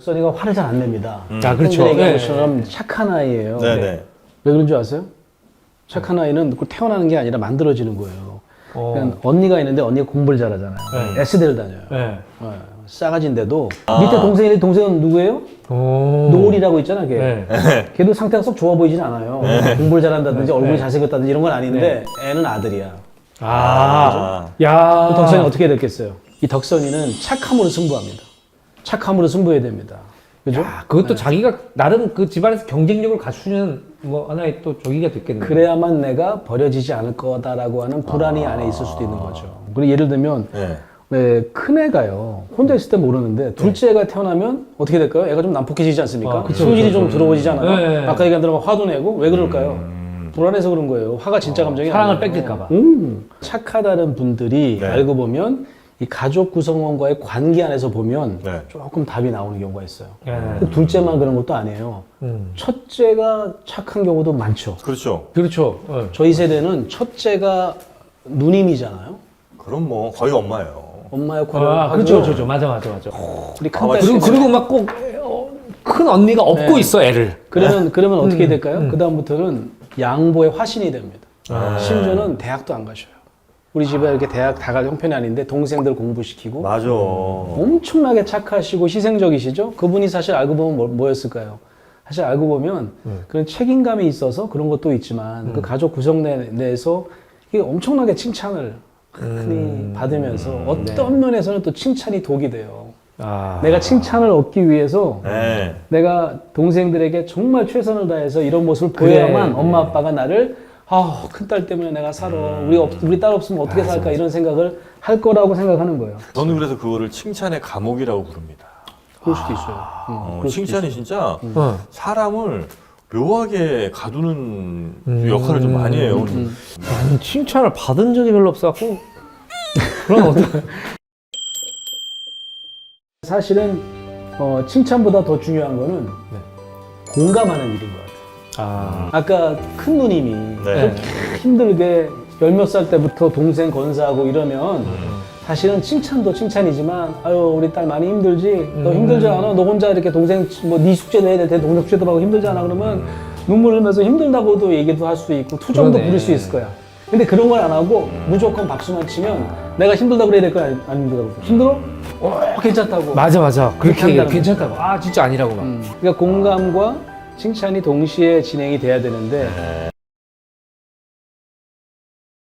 덕선이가 화를 잘 안 냅니다. 아, 그렇죠. 얘기한 네. 것처럼 착한 아이예요. 네네. 왜 그런 줄 아세요? 착한 아이는 꼭 태어나는 게 아니라 만들어지는 거예요. 그러니까 언니가 있는데 언니가 공부를 잘하잖아요. 네. S대를 다녀요. 네. 싸가지인데도 밑에 동생인데 동생은 누구예요? 노을이라고 있잖아, 걔. 네. 걔도 상태가 썩 좋아 보이진 않아요. 공부를 잘한다든지 얼굴이 잘생겼다든지 이런 건 아닌데 애는 아들이야. 야. 그 덕선이 어떻게 해야 됐겠어요? 이 덕선이는 착함으로 승부합니다. 착함으로 승부해야 됩니다. 그죠? 야, 그것도 자기가 나름 그 집안에서 경쟁력을 갖추는 뭐 하나의 또 저기가 됐겠네요. 그래야만 내가 버려지지 않을 거다라고 하는 불안이 안에 있을 수도 있는 거죠. 그리고 예를 들면 네. 왜 큰애가요 혼자 있을 때 모르는데 둘째가 태어나면 어떻게 될까요? 애가 좀 난폭해지지 않습니까? 그쵸, 성질이 그쵸, 좀 들어오지잖아요. 네. 아까 얘기한 대로 화도 내고 왜 그럴까요? 불안해서 그런 거예요. 화가 진짜 감정이 사랑을 아니에요. 뺏길까봐. 착하다는 분들이 네. 알고 보면 이 가족 구성원과의 관계 안에서 보면 네. 조금 답이 나오는 경우가 있어요. 네. 둘째만 그런 것도 아니에요. 첫째가 착한 경우도 많죠. 그렇죠. 그렇죠. 네. 저희 세대는 첫째가 누님이잖아요. 그럼 뭐 거의 엄마예요. 엄마 역할을 아, 하고 그렇죠, 그렇죠. 맞아. 우리 아, 큰딸 그리고 막 꼭 큰 언니가 업고 네. 있어 애를. 그러면 어떻게 될까요? 그 다음부터는 양보의 화신이 됩니다. 아. 심지어는 대학도 안 가셔요. 우리 집에 이렇게 대학 다 갈 형편이 아닌데 동생들 공부시키고 맞아. 엄청나게 착하시고 희생적이시죠? 그분이 사실 알고 보면 뭐였을까요? 사실 알고 보면 그런 책임감이 있어서 그런 것도 있지만 그 가족 구성 내에서 이게 엄청나게 칭찬을 흔히 받으면서 어떤 면에서는 또 칭찬이 독이 돼요. 아. 내가 칭찬을 얻기 위해서 네. 내가 동생들에게 정말 최선을 다해서 이런 모습을 그래. 보여야만 엄마 아빠가 나를 큰딸 때문에 내가 살아. 우리 딸 없으면 어떻게 살까 이런 생각을 할 거라고 생각하는 거예요. 저는 그래서 그거를 칭찬의 감옥이라고 부릅니다. 그럴 수도 있어요. 그럴 수도 칭찬이 있어요. 진짜 어. 사람을 묘하게 가두는 역할을 좀 많이 해요. 나는 칭찬을 받은 적이 별로 없어갖고. 그럼 어떡해. 사실은 칭찬보다 더 중요한 거는 공감하는 일인 것 같아요. 아. 아까 큰 누님이 네. 힘들게 열 몇 살 때부터 동생 건사하고 이러면 사실은 칭찬도 칭찬이지만 아유 우리 딸 많이 힘들지? 너 힘들지 않아? 너 혼자 이렇게 동생 뭐 네 숙제도 해야 될 텐데 동생 숙제도 하고 힘들지 않아? 그러면 눈물 흘면서 힘들다고도 얘기도 할 수 있고 투정도 그러네. 부릴 수 있을 거야. 근데 그런 걸 안 하고 무조건 박수만 치면 내가 힘들다고 그래야 될 거야? 안 힘들다고? 힘들어? 괜찮다고. 맞아. 그렇게 한다는 얘기해. 괜찮다고. 아, 진짜 아니라고 막. 그러니까 공감과 칭찬이 동시에 진행이 돼야 되는데